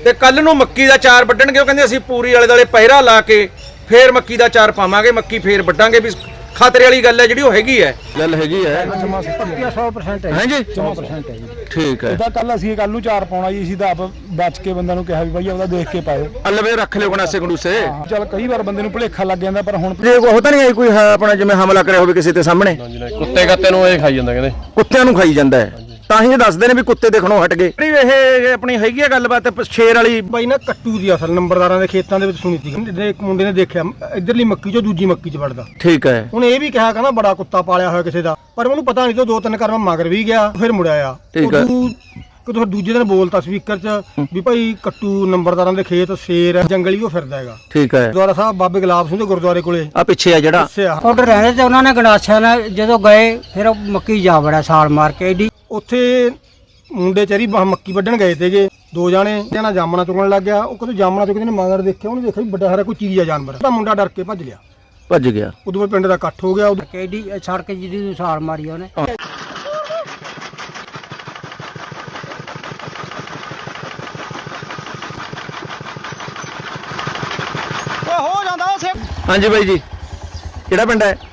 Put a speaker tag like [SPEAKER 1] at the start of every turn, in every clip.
[SPEAKER 1] ਤੇ ਕੱਲ ਨੂੰ ਮੱਕੀ ਦਾ ਚਾਰ ਵੱਢਣਗੇ। ਉਹ ਕਹਿੰਦੇ ਅਸੀਂ ਪੂਰੀ ਆਲੇ ਦੁਆਲੇ ਪਹਿਰਾ ਲਾ ਕੇ ਫੇਰ ਮੱਕੀ ਦਾ ਚਾਰ ਪਾਵਾਂਗੇ, ਮੱਕੀ ਫੇਰ ਵੱਢਾਂਗੇ। ਵੀ ਖਤਰੇ ਵਾਲੀ ਗੱਲ ਹੈ ਜਿਹੜੀ ਉਹ ਹੈਗੀ ਹੈ, ਗੱਲ ਹੈਗੀ ਹੈ।
[SPEAKER 2] 100% ਹੈ
[SPEAKER 1] ਹਾਂਜੀ
[SPEAKER 2] 100% ਹੈ ਜੀ।
[SPEAKER 1] ਠੀਕ ਹੈ।
[SPEAKER 2] ਇਹਦਾ ਕੱਲ ਅਸੀਂ ਕੱਲ ਨੂੰ ਚਾਰ ਪਾਉਣਾ ਜੀ, ਅਸੀਂ ਤਾਂ ਆਪ ਬਚ ਕੇ ਬੰਦਿਆਂ ਨੂੰ ਕਿਹਾ ਵੀ ਬਾਈ ਆਪਦਾ ਦੇਖ ਕੇ ਪਾਇਓ,
[SPEAKER 1] ਅਲਵੇ ਰੱਖ ਲਿਓ ਗੰਡਾਸੇ ਗੰਡੂਸੇ।
[SPEAKER 2] ਚਲ ਕਈ ਵਾਰ ਬੰਦੇ ਨੂੰ ਭੁਲੇਖਾ ਲੱਗ ਜਾਂਦਾ, ਪਰ ਹੁਣ
[SPEAKER 1] ਜੇ ਉਹ ਤਾਂ ਨਹੀਂ ਆਈ ਕੋਈ ਆਪਣਾ ਜਿਵੇਂ ਹਮਲਾ ਕਰਿਆ ਹੋਵੇ ਕਿਸੇ ਤੇ ਸਾਹਮਣੇ,
[SPEAKER 3] ਕੁੱਤੇ ਕੱਤੇ ਨੂੰ ਇਹ ਖਾਈ ਜਾਂਦਾ, ਕਹਿੰਦੇ
[SPEAKER 1] ਕੁੱਤਿਆਂ ਨੂੰ ਖਾਈ ਜਾਂਦਾ ਹੈ। ਤਾਂ ਹੀ ਦੱਸਦੇ ਨੇ ਵੀ ਕੁੱਤੇ ਦੇਖਣੋਂ ਹਟ ਗਏ। ਇਹ ਆਪਣੀ ਹੈਗੀ ਆ ਗੱਲਬਾਤ ਸ਼ੇਰ ਵਾਲੀ।
[SPEAKER 2] ਬਾਈ ਨਾ ਕੱਟੂ ਦੀ ਅਸਲ ਨੰਬਰਦਾਰਾਂ ਦੇ ਖੇਤਾਂ ਦੇ ਵਿੱਚ ਸੁਣੀ ਸੀ, ਇੱਕ ਮੁੰਡੇ ਨੇ ਦੇਖਿਆ ਇਧਰਲੀ ਮੱਕੀ ਚੋਂ ਦੂਜੀ ਮੱਕੀ 'ਚ ਵੜਦਾ।
[SPEAKER 1] ਠੀਕ ਹੈ।
[SPEAKER 2] ਉਹਨੇ ਇਹ ਵੀ ਕਿਹਾ ਕਹਿੰਦਾ ਬੜਾ ਕੁੱਤਾ ਪਾਲਿਆ ਹੋਇਆ ਕਿਸੇ ਦਾ, ਪਰ ਉਹਨੂੰ ਪਤਾ ਨਹੀਂ, ਦੋ ਤਿੰਨ ਕਰਮ ਮਗਰ ਵੀ ਗਿਆ, ਫਿਰ ਮੁੜਿਆ ਆ।
[SPEAKER 1] ਠੀਕ ਹੈ।
[SPEAKER 2] ਕਿਦੋਂ ਦੂਜੇ ਦਿਨ ਬੋਲਤਾ ਸਪੀਕਰ 'ਚ ਵੀ ਭਾਈ ਕੱਟੂ ਨੰਬਰਦਾਰਾਂ ਦੇ ਖੇਤ ਸ਼ੇਰ ਹੈ, ਜੰਗਲੀ ਉਹ ਫਿਰਦਾ ਹੈਗਾ।
[SPEAKER 1] ਠੀਕ ਹੈ।
[SPEAKER 2] ਗੁਰਦੁਆਰਾ ਸਾਹਿਬ ਬਾਬੇ ਗੁਲਾਬ ਸਿੰਘ ਦੇ ਗੁਰਦੁਆਰੇ ਕੋਲੇ
[SPEAKER 1] ਆ ਪਿੱਛੇ ਆ ਜਿਹੜਾ
[SPEAKER 4] ਆਰਡਰ ਰਹਿੰਦੇ ਤੇ ਉਹਨਾਂ ਨੇ ਗੰਡਾਸਿਆਂ ਨਾਲ ਜਦੋਂ ਗਏ ਫਿਰ ਉਹ ਮੱਕੀ ਜਾ ਵੜਿਆ ਛਾਲ ਮਾਰ ਕੇ ਏਡੀ।
[SPEAKER 2] ਉੱਥੇ ਮੁੰਡੇ ਚਰੀ ਮੱਕੀ ਵੱਢਣ ਗਏ ਤੇਗੇ ਦੋ ਜਾਣੇ, ਜਣਾ ਜਾਮਣਾ ਚੁਗਣ ਲੱਗ ਗਿਆ। ਉਹ ਕਦੋਂ ਜਾਮਣਾ ਚੁਗਦੇ ਨੇ ਮਗਰ ਦੇਖਿਆ, ਉਹਨੇ ਦੇਖਿਆ ਵੀ ਵੱਡਾ ਸਾਰਾ ਕੋਈ ਚੀਜ਼ ਆ ਜਾਨਵਰ। ਤਾਂ ਮੁੰਡਾ ਡਰ ਕੇ ਭੱਜ ਗਿਆ। ਉਦੋਂ ਬਾਅਦ ਪਿੰਡ ਦਾ ਇਕੱਠ ਹੋ ਗਿਆ।
[SPEAKER 4] ਏਡੀ ਸੜਕ ਜਿਹਦੀ ਛਾਲ ਮਾਰੀ ਉਹਨੇ।
[SPEAKER 1] ਹਾਂਜੀ ਬਾਈ ਜੀ, ਕਿਹੜਾ ਪਿੰਡ ਹੈ?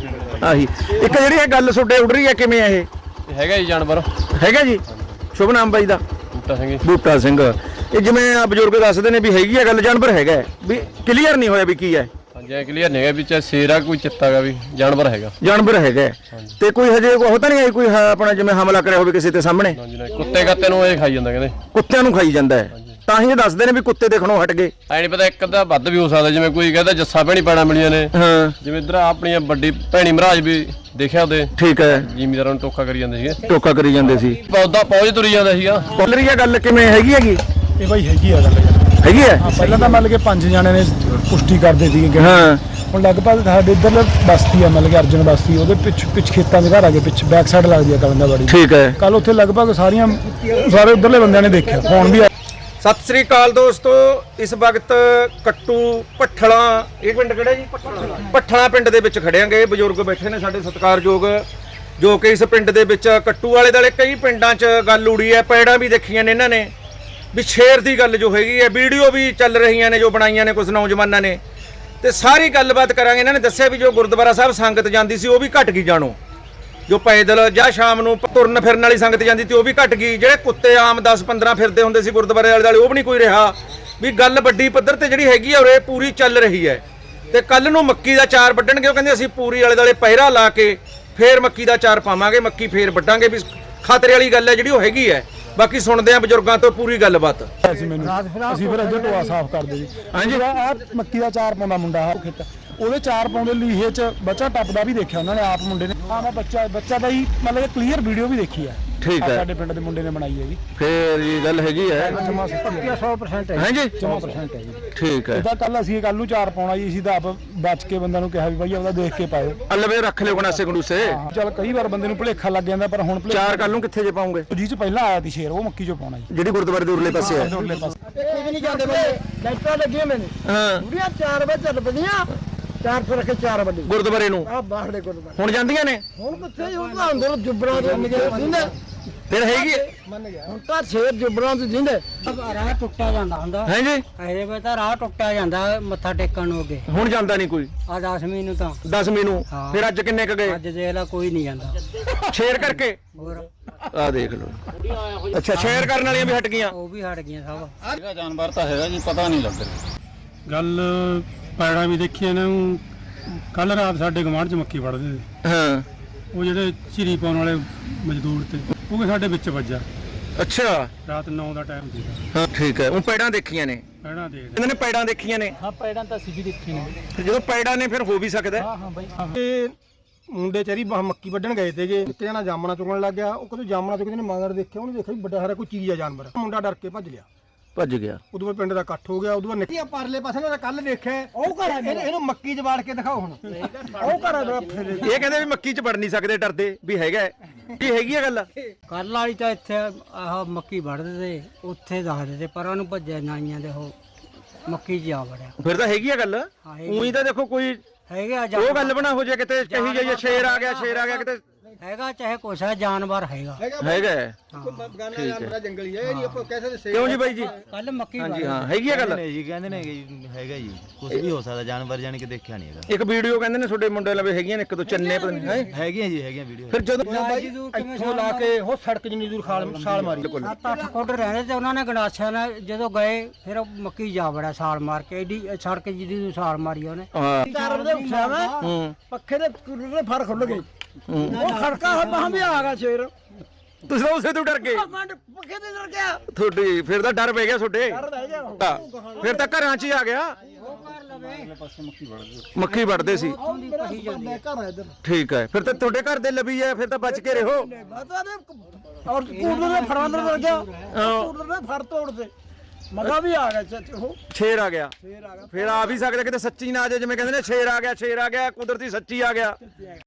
[SPEAKER 1] ਆਹੀ ਇੱਕ ਜਿਹੜੀ ਇਹ ਗੱਲ ਤੁਹਾਡੇ ਉੱਡ ਰਹੀ ਹੈ, ਕਿਵੇਂ ਇਹ
[SPEAKER 3] ਹੈਗਾ ਜੀ ਜਾਨਵਰ
[SPEAKER 1] ਹੈਗਾ ਜੀ? ਸ਼ੁਭ ਨਾਮ ਬਾਈ ਦਾ?
[SPEAKER 3] ਬੂਟਾ ਸਿੰਘ।
[SPEAKER 1] ਬੂਟਾ ਸਿੰਘ। ਇਹ ਜਿਵੇਂ ਆ ਬਜ਼ੁਰਗ ਦੱਸਦੇ ਨੇ ਵੀ ਹੈਗੀ ਆ ਗੱਲ, ਜਾਨਵਰ ਹੈਗਾ, ਵੀ ਕਲੀਅਰ ਨਹੀਂ ਹੋਇਆ ਵੀ ਕੀ ਹੈ।
[SPEAKER 3] ਹਾਂਜੀ ਕਲੀਅਰ ਨਹੀਂ ਹੈਗਾ ਵੀ ਚਾਹੇ ਸ਼ੇਰ ਆ ਕੋਈ ਚਿੱਤਾ ਗਾ, ਵੀ ਜਾਨਵਰ ਹੈਗਾ।
[SPEAKER 1] ਜਾਨਵਰ ਹੈਗਾ ਤੇ ਕੋਈ ਹਜੇ ਉਹ ਤਾਂ ਨਹੀਂ ਆਈ ਕੋਈ ਆਪਣਾ ਜਿਵੇਂ ਹਮਲਾ ਕਰਿਆ ਹੋਵੇ ਕਿਸੇ ਤੇ ਸਾਹਮਣੇ,
[SPEAKER 3] ਕੁੱਤੇ ਕੱਤੇ ਨੂੰ ਇਹ ਖਾਈ ਜਾਂਦਾ, ਕਹਿੰਦੇ
[SPEAKER 1] ਕੁੱਤਿਆਂ ਨੂੰ ਖਾਈ ਜਾਂਦਾ ਹੈ। ਤਾਂ ਹੀ ਦੱਸਦੇ ਨੇ ਵੀ ਕੁੱਤੇ ਦੇਖਣੋਂ ਹਟ ਗਏ।
[SPEAKER 3] ਐ ਨਹੀਂ ਪਤਾ ਇੱਕ ਅੱਧਾ ਵੱਧ ਵੀ ਹੋ ਸਕਦਾ, ਜਿਵੇਂ ਕੋਈ ਕਹਿੰਦਾ ਜੱਸਾ ਭੈਣੀ ਪੈਣਾ ਮਿਲੀਆਂ ਨੇ।
[SPEAKER 1] ਹਾਂ
[SPEAKER 3] ਜਿਵੇਂ ਇਧਰ ਆਪਣੀਆਂ ਵੱਡੀ ਭੈਣੀ ਮਹਾਰਾਜ ਵੀ ਦੇਖਿਆ ਉਹਦੇ।
[SPEAKER 1] ਠੀਕ ਹੈ।
[SPEAKER 3] ਜ਼ਿਮੀਦਾਰਾਂ ਨੂੰ ਟੋਕਾ ਕਰੀ ਜਾਂਦੇ ਸੀਗੇ,
[SPEAKER 1] ਟੋਕਾ ਕਰੀ ਜਾਂਦੇ ਸੀ,
[SPEAKER 3] ਪੌਦਾ ਪੌਜ ਤੁਰੀ ਜਾਂਦਾ ਸੀਗਾ।
[SPEAKER 1] ਬੋਲ ਰਹੀ ਹੈ ਗੱਲ, ਕਿਵੇਂ ਹੈਗੀ?
[SPEAKER 2] ਇਹ ਬਾਈ ਹੈਗੀ ਆ ਗੱਲ,
[SPEAKER 1] ਹੈਗੀ ਹੈ।
[SPEAKER 2] ਪਹਿਲਾਂ ਤਾਂ ਮਤਲਬ ਕਿ 5 ਜਣਿਆਂ ਨੇ ਪੁਸ਼ਟੀ ਕਰਦੇ ਸੀਗੇ।
[SPEAKER 1] ਹਾਂ
[SPEAKER 2] ਹੁਣ ਲਗਭਗ ਸਾਡੇ ਇੱਧਰ ਬਸਤੀ ਆ, ਮਤਲਬ ਕਿ ਅਰਜਨ ਬਸਤੀ, ਉਹਦੇ ਪਿੱਛ ਖੇਤਾਂ ਦੇ ਘਰ ਆ ਕੇ ਪਿੱਛ ਬੈਕ ਸਾਈਡ ਲੱਗਦੀ ਆ ਕਲੰਦਾਬਾੜੀ।
[SPEAKER 1] ਠੀਕ ਹੈ।
[SPEAKER 2] ਕੱਲ ਉੱਥੇ ਲਗਭਗ ਸਾਰੇ ਉੱਧਰਲੇ ਬੰਦਿਆਂ ਨੇ ਦੇਖਿਆ, ਫੋਨ ਵੀ।
[SPEAKER 1] ਸਤਿ ਸ੍ਰੀ ਅਕਾਲ ਦੋਸਤੋ, ਇਸ ਵਕਤ ਕੱਟੂ ਪੱਠਲਾ, ਇਹ ਪਿੰਡ ਕਿਹੜਾ ਜੀ? ਪੱਠਲਾ ਪਿੰਡ ਦੇ ਵਿੱਚ ਖੜਿਆਂਗੇ। ਬਜ਼ੁਰਗ ਬੈਠੇ ਨੇ ਸਾਡੇ ਸਤਿਕਾਰਯੋਗ, ਜੋ ਕਿ ਇਸ ਪਿੰਡ ਦੇ ਵਿੱਚ ਕੱਟੂ ਵਾਲੇ ਦੁਆਲੇ ਕਈ ਪਿੰਡਾਂ 'ਚ ਗੱਲ ਉੜੀ ਹੈ, ਪੈੜਾਂ ਵੀ ਦੇਖੀਆਂ ਨੇ ਇਹਨਾਂ ਨੇ, ਵੀ ਸ਼ੇਰ ਦੀ ਗੱਲ ਜੋ ਹੈਗੀ ਹੈ, ਵੀਡੀਓ ਵੀ ਚੱਲ ਰਹੀਆਂ ਨੇ ਜੋ ਬਣਾਈਆਂ ਨੇ ਕੁਝ ਨੌਜਵਾਨਾਂ ਨੇ, ਤੇ ਸਾਰੀ ਗੱਲਬਾਤ ਕਰਾਂਗੇ। ਇਹਨਾਂ ਨੇ ਦੱਸਿਆ ਵੀ ਜੋ ਗੁਰਦੁਆਰਾ ਸਾਹਿਬ ਸੰਗਤ ਜਾਂਦੀ ਸੀ ਉਹ ਵੀ ਘਟ ਗਈ, ਜਾਣੋ ਜੋ ਪੈਦਲ ਜਾਂ ਸ਼ਾਮ ਨੂੰ ਤੁਰਨ ਫਿਰਨ ਵਾਲੀ ਸੰਗਤ ਜਾਂਦੀ ਤੇ ਉਹ ਵੀ ਘਟ ਗਈ। ਜਿਹੜੇ ਕੁੱਤੇ ਆਮ 10-15 ਫਿਰਦੇ ਹੁੰਦੇ ਸੀ ਗੁਰਦੁਆਰੇ ਵਾਲੇ ਦੁਆਲੇ, ਉਹ ਵੀ ਨਹੀਂ ਕੋਈ ਰਿਹਾ। ਵੀ ਗੱਲ ਵੱਡੀ ਪੱਧਰ ਤੇ ਜਿਹੜੀ ਹੈਗੀ ਆ ਉਰੇ ਪੂਰੀ ਚੱਲ ਰਹੀ ਹੈ। ਤੇ ਕੱਲ ਨੂੰ ਮੱਕੀ ਦਾ ਚਾਰ ਵੱਢਣਗੇ। ਉਹ ਕਹਿੰਦੇ ਅਸੀਂ ਪੂਰੀ ਆਲੇ ਦੁਆਲੇ ਪਹਿਰਾ ਲਾ ਕੇ ਫੇਰ ਮੱਕੀ ਦਾ ਚਾਰ ਪਾਵਾਂਗੇ, ਮੱਕੀ ਫੇਰ ਵੱਢਾਂਗੇ। ਵੀ ਖਤਰੇ ਵਾਲੀ ਗੱਲ ਹੈ ਜਿਹੜੀ ਉਹ ਹੈਗੀ ਹੈ। ਬਾਕੀ ਸੁਣਦੇ ਆ ਬਜ਼ੁਰਗਾਂ ਤੋਂ ਪੂਰੀ ਗੱਲਬਾਤ।
[SPEAKER 2] ਅਸੀਂ ਫਿਰ ਇੱਧਰ ਟੋਆ ਸਾਫ਼ ਕਰਦੇ ਜੀ। ਹਾਂਜੀ ਆਹ ਮੱਕੀ ਦਾ ਚਾਰ ਪਾਉਂਦਾ ਮੁੰਡਾ, ਆ ਖੇਤ ਉਹਦੇ ਚਾਰ ਪਾਉਂਦੇ ਲੀਹੇ 'ਚ ਬੱਚਾ ਟੱਪਦਾ ਵੀ ਦੇਖਿਆ ਉਹਨਾਂ ਨੇ, ਆਪ ਮੁੰਡੇ ਨੇ। ਹਾਂ ਮੈਂ ਬੱਚਾ ਦਾ ਹੀ ਮਤਲਬ ਕਲੀਅਰ ਵੀਡੀਓ ਵੀ ਦੇਖੀ ਹੈ।
[SPEAKER 1] ਠੀਕ ਹੈ।
[SPEAKER 2] ਸਾਡੇ ਪਿੰਡ ਦੇ ਮੁੰਡੇ ਨੇ ਬਣਾਈ ਹੈ ਜੀ।
[SPEAKER 1] ਫੇਰ ਇਹ ਗੱਲ ਹੈਗੀ ਹੈ।
[SPEAKER 2] 100% ਹੈ।
[SPEAKER 1] ਹਾਂਜੀ
[SPEAKER 2] 100% ਹੈ ਜੀ।
[SPEAKER 1] ਠੀਕ ਹੈ।
[SPEAKER 2] ਇਹਦਾ ਕੱਲ ਅਸੀਂ ਕੱਲ ਨੂੰ ਚਾਰ ਪਾਉਣਾ ਜੀ, ਅਸੀਂ ਤਾਂ ਆਪ ਬਚ ਕੇ ਬੰਦਿਆਂ ਨੂੰ ਕਿਹਾ ਵੀ ਬਾਈ ਆਪਦਾ ਦੇਖ ਕੇ ਪਾਇਓ,
[SPEAKER 1] ਅਲਵੇ ਰੱਖ ਲਿਓ ਗੰਡਾਸੇ ਗੰਡੂਸੇ।
[SPEAKER 2] ਚਲ ਕਈ ਵਾਰ ਬੰਦੇ ਨੂੰ ਭੁਲੇਖਾ ਲੱਗ ਜਾਂਦਾ, ਪਰ ਹੁਣ
[SPEAKER 1] ਚਾਰ ਕੱਲ ਨੂੰ ਕਿੱਥੇ ਜੇ ਪਾਉਂਗੇ?
[SPEAKER 2] ਜੀ 'ਚ ਪਹਿਲਾਂ ਆਇਆ ਸੀ ਸ਼ੇਰ, ਉਹ ਮੱਕੀ 'ਚੋਂ ਪਾਉਣਾ ਜੀ,
[SPEAKER 1] ਜਿਹੜੀ ਗੁਰਦੁਆਰੇ ਦੇ ਉਰਲੇ ਪਾਸੇ ਹੈ।
[SPEAKER 2] ਉਰਲੇ ਪਾਸੇ
[SPEAKER 4] ਨਹੀਂ ਜਾਂਦੇ ਲਾਈਟਾਂ ਲੱਗੀਆਂ ਮੈਨੇ
[SPEAKER 1] ਹਾਂ
[SPEAKER 4] ਪੂਰੀਆਂ 4 ਵਜੇ ਚੱਲ ਪਈਆਂ, 4 ਰੱਖੇ 4 ਵਜੇ
[SPEAKER 1] ਗੁਰਦੁਆਰੇ ਨੂੰ
[SPEAKER 4] ਆ ਬਾਹਰਲੇ ਗੁਰਦੁਆਰੇ
[SPEAKER 1] ਹੁਣ ਜਾਂਦੀਆਂ ਨੇ।
[SPEAKER 4] ਹੁਣ ਕਿੱਥੇ ਹੁਣ ਤਾਂ ਅੰਦਰ ਜੁਬਰਾਂ ਦੇ ਜਿੰਦੇ
[SPEAKER 1] ਫਿਰ ਹੈਗੀ
[SPEAKER 4] ਮੰਨ ਗਿਆ। ਹੁਣ ਤਾਂ ਛੇਰ ਜੁਬਰਾਂ ਦੇ ਜਿੰਦੇ ਰਾਹ ਟੁੱਟਿਆ ਜਾਂਦਾ ਹੁੰਦਾ
[SPEAKER 1] ਹੈ ਜੀ।
[SPEAKER 4] ਐਰੇ ਵੇ ਤਾਂ ਰਾਹ ਟੁੱਟਿਆ ਜਾਂਦਾ ਮੱਥਾ ਟੇਕਣ ਨੂੰ ਅੱਗੇ।
[SPEAKER 1] ਹੁਣ ਜਾਂਦਾ ਨਹੀਂ ਕੋਈ।
[SPEAKER 4] ਆ 10ਵੀਂ ਨੂੰ ਤਾਂ
[SPEAKER 1] 10ਵੀਂ ਨੂੰ।
[SPEAKER 4] ਹਾਂ।
[SPEAKER 1] ਫਿਰ ਅੱਜ ਕਿੰਨੇ ਕ ਗਏ?
[SPEAKER 4] ਅੱਜ ਦੇਖ ਲਾ ਕੋਈ ਨਹੀਂ ਜਾਂਦਾ
[SPEAKER 1] ਸ਼ੇਰ ਕਰਕੇ।
[SPEAKER 4] ਹੋਰ
[SPEAKER 1] ਆ ਦੇਖ ਲਓ। ਅੱਛਾ ਸ਼ੇਰ ਕਰਨ ਵਾਲੀਆਂ ਵੀ ਹਟ ਗਈਆਂ।
[SPEAKER 4] ਉਹ ਵੀ ਹਟ ਗਈਆਂ ਸਭ।
[SPEAKER 3] ਇਹਦਾ ਜਾਨਵਰ ਤਾਂ ਹੈਗਾ ਜੀ, ਪਤਾ ਨਹੀਂ ਲੱਗ ਰਿਹਾ।
[SPEAKER 2] ਗੱਲ ਪੈੜਾਂ ਵੀ ਦੇਖੀਆਂ ਨੇ। ਕੱਲ ਰਾਤ ਸਾਡੇ ਗਵਾਂਢ 'ਚ ਮੱਕੀ ਵੜਦੇ ਸੀ,
[SPEAKER 1] ਹਾਂ
[SPEAKER 2] ਉਹ ਜਿਹੜੇ ਚਿਰੀ ਪਾਉਣ ਵਾਲੇ ਮਜ਼ਦੂਰ ਤੇ ਉਹ ਸਾਡੇ ਵਿੱਚ ਵੱਜਾ।
[SPEAKER 1] ਅੱਛਾ
[SPEAKER 2] ਰਾਤ 9 ਦਾ ਟਾਈਮ ਸੀ।
[SPEAKER 1] ਹਾਂ ਠੀਕ ਹੈ। ਉਹ ਪੈੜਾਂ ਦੇਖੀਆਂ ਨੇ
[SPEAKER 2] ਪੈੜਾਂ ਦੇਖ
[SPEAKER 1] ਇਹਨਾਂ ਨੇ, ਪੈੜਾਂ ਦੇਖੀਆਂ ਨੇ।
[SPEAKER 2] ਹਾਂ ਪੈੜਾਂ ਤਾਂ ਅਸੀਂ ਵੀ ਦੇਖੀ ਨੇ।
[SPEAKER 1] ਫਿਰ ਜਦੋਂ ਪੈੜਾਂ ਨੇ ਫਿਰ ਹੋ ਵੀ ਸਕਦਾ।
[SPEAKER 2] ਹਾਂ ਬਾਈ ਇਹ ਮੁੰਡੇ ਚਰੀ ਮੱਕੀ ਵੱਢਣ ਗਏ ਤੇਗੇ, ਇੱਕ ਜਣਾ ਜਾਮਣਾ ਚੁਗਣ ਲੱਗ ਗਿਆ। ਉਹ ਕਦੋਂ ਜਾਮਣਾ ਚੁਗਦੇ ਨੇ ਮਗਰ ਦੇਖਿਆ, ਉਹਨੇ ਦੇਖਿਆ ਵੀ ਵੱਡਾ ਸਾਰਾ ਕੋਈ ਚੀਜ਼ ਆ ਜਾਨਵਰ। ਮੁੰਡਾ ਡਰ ਕੇ ਭੱਜ
[SPEAKER 1] ਗਿਆ।
[SPEAKER 2] ਉਦੋਂ ਬਾਅਦ ਪਿੰਡ ਦਾ ਇਕੱਠ ਹੋ ਗਿਆ। ਉਦੋਂ ਬਾਅਦ ਨਿੱਕੀ ਪਰਲੇ ਪਾਸੇ ਨੇ ਕੱਲ ਦੇਖਿਆ, ਉਹ ਘਰ ਇਹਨੂੰ ਮੱਕੀ 'ਚ ਵਾੜ ਕੇ ਦਿਖਾਓ ਹੁਣ। ਉਹ ਘਰ
[SPEAKER 1] ਇਹ ਕਹਿੰਦੇ ਵੀ ਮੱਕੀ 'ਚ ਵੜ ਨਹੀਂ ਸਕਦੇ, ਡਰਦੇ ਵੀ ਹੈਗਾ। ਕੀ ਹੈਗੀ ਆ ਗੱਲ?
[SPEAKER 4] ਕੱਲ ਵਾਲੀ ਤਾਂ ਇੱਥੇ ਆਹ ਮੱਕੀ ਵੜਦੇ ਤੇ ਉੱਥੇ ਦੱਸਦੇ ਤੇ ਪਰਾਂ ਨੂੰ ਭੱਜਿਆ ਨਾਈਆਂ ਦੇ ਉਹ ਮੱਕੀ 'ਚ ਆ ਵੜਿਆ।
[SPEAKER 1] ਫਿਰ ਤਾਂ ਹੈਗੀ ਆ ਗੱਲ।
[SPEAKER 4] ਹੈਗੀ
[SPEAKER 1] ਉਹੀ ਤਾਂ ਦੇਖੋ ਕੋਈ
[SPEAKER 4] ਹੈਗੇ ਆ
[SPEAKER 1] ਉਹ ਗੱਲ ਬਣਾ ਹੋ ਜਾਏ ਕਿਤੇ ਕਹੀ ਜਾਈਏ ਸ਼ੇਰ ਆ ਗਿਆ ਕਿਤੇ
[SPEAKER 4] ਹੈਗਾ ਚਾਹੇ ਕੁਛ ਹੈ ਜਾਨਵਰ ਹੈਗਾ
[SPEAKER 1] ਹੈਗਾ ਹੈ।
[SPEAKER 5] ਬਗਾਨਾ ਜਾਨਵਰ ਜੰਗਲੀ ਹੈ ਇਹ ਨਹੀਂ ਆਪਾਂ ਕਹਿ ਸਕਦੇ
[SPEAKER 1] ਕਿਉਂ ਜੀ ਬਾਈ ਜੀ?
[SPEAKER 4] ਕੱਲ ਮੱਕੀ
[SPEAKER 1] ਹਾਂਜੀ ਹਾਂ ਹੈਗੀ ਆ ਗੱਲ।
[SPEAKER 6] ਜੀ ਕਹਿੰਦੇ ਨੇ ਕਿ ਹੈਗਾ ਜੀ ਕੁਝ ਵੀ ਹੋ ਸਕਦਾ ਜਾਨਵਰ ਜਾਨੀ ਕਿ ਦੇਖਿਆ ਨਹੀਂ ਹੈਗਾ
[SPEAKER 1] ਇੱਕ ਵੀਡੀਓ ਕਹਿੰਦੇ ਨੇ ਤੁਹਾਡੇ ਮੁੰਡੇ ਲਵੇ ਹੈਗੀਆਂ ਨੇ ਇੱਕ ਦੋ ਚੰਨੇ ਪਤਾ ਨਹੀਂ ਹੈ
[SPEAKER 6] ਹੈਗੀਆਂ ਜੀ ਹੈਗੀਆਂ ਵੀਡੀਓ
[SPEAKER 1] ਫਿਰ ਜਦੋਂ
[SPEAKER 5] ਇੱਥੋਂ ਲਾ ਕੇ ਉਹ ਸੜਕ ਜਿੰਨੀ ਦੂਰ ਛਾਲ ਮਾਰੀ
[SPEAKER 4] 7-8 ਫੁੱਟ ਰਹਿੰਦੇ ਤੇ ਉਹਨਾਂ ਨੇ ਗੰਡਾਸਿਆਂ ਨਾਲ ਜਦੋਂ ਗਏ ਫਿਰ ਉਹ ਮੱਕੀ ਜਾ ਵੜਿਆ ਛਾਲ ਮਾਰ ਕੇ ਐਡੀ ਸੜਕ ਜਿਹਦੀ ਨੂੰ ਛਾਲ ਮਾਰੀ ਉਹਨੇ।
[SPEAKER 1] ਹਾਂ
[SPEAKER 5] 4 ਵਜੇ ਉੱਠਿਆ ਮੈਂ
[SPEAKER 1] ਹੂੰ
[SPEAKER 5] ਪੱਖੇ ਦੇ ਕੂਲਰ ਦੇ ਫਰ ਖੁੱਲ ਗਏ ਉਹ ਖੜਕਾ ਮਹਾਂ ਵੀ ਆ ਗਿਆ ਸ਼ੇਰ
[SPEAKER 1] ਤੁਸੀਂ ਤਾਂ ਉਸੇ ਤੋਂ ਡਰ ਗਏ
[SPEAKER 5] ਮੈਂ ਪੱਖੇ ਦੇ ਡਰ ਗਿਆ
[SPEAKER 1] ਤੁਹਾਡੀ ਫਿਰ ਤਾਂ ਡਰ ਪੈ ਗਿਆ ਤੁਹਾਡੇ
[SPEAKER 5] ਡਰ ਰਹਿ ਗਿਆ ਉਹ।
[SPEAKER 1] ਫਿਰ ਤਾਂ ਘਰਾਂ 'ਚ ਹੀ ਆ ਗਿਆ ਮੱਕੀ ਵੜਦੇ ਸੀ
[SPEAKER 5] ਘਰ ਆ ਇਧਰ
[SPEAKER 1] ਠੀਕ ਹੈ ਫਿਰ ਤਾਂ ਤੁਹਾਡੇ ਘਰ ਦੇ ਲਵੀ ਹੈ ਫਿਰ ਤਾਂ ਬਚ ਕੇ ਰਹੋ
[SPEAKER 5] ਪਤਾ ਨਹੀਂ ਔਰ ਕੂਲਰ ਦੇ ਫਰਾਂ ਅੰਦਰ ਡਰ ਗਿਆ ਕੂਲਰ ਦੇ ਫਰ ਤੋੜਦੇ ਮਗਾ ਵੀ ਆ ਗਿਆ ਉਹ
[SPEAKER 1] ਸ਼ੇਰ ਆ ਗਿਆ
[SPEAKER 5] ਸ਼ੇਰ ਆ ਗਿਆ
[SPEAKER 1] ਫਿਰ ਆ ਵੀ ਸਕਦਾ ਕਿਤੇ ਸੱਚੀ ਨਾ ਆ ਜਾਏ ਜਿਵੇਂ ਕਹਿੰਦੇ ਨੇ ਸ਼ੇਰ ਆ ਗਿਆ ਕੁਦਰਤੀ ਸੱਚੀ ਆ ਗਿਆ